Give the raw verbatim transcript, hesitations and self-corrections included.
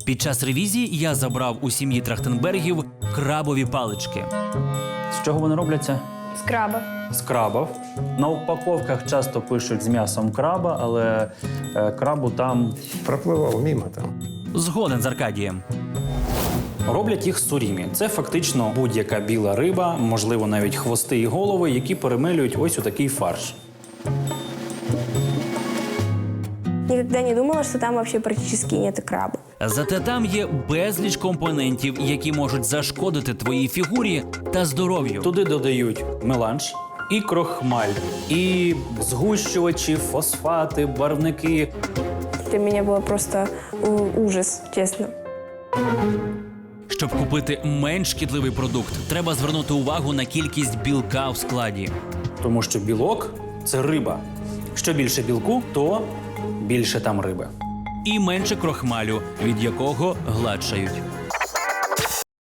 Під час ревізії я забрав у сім'ї Трахтенбергів крабові палички. З чого вони робляться? З краба. З крабів. На упаковках часто пишуть з м'ясом краба, але е, крабу там Пропливав мимо там. Згоден з Аркадієм. роблять їх сурімі. Це фактично будь-яка біла риба, можливо, навіть хвости і голови, які перемелюють ось у такий фарш. Никогда не думала, что там вообще практически нет краба. Зате там є безліч компонентів, які можуть зашкодити твоїй фігурі та здоров'ю. Туди додають меланж, і крохмаль, і згущувачі, фосфати, барвники. Для меня было просто у- ужас, честно. Щоб купити менш шкідливий продукт, треба звернути увагу на кількість білка в складі. Тому що білок – це риба. Що більше білку, то більше там риби. І менше крохмалю, від якого гладшають.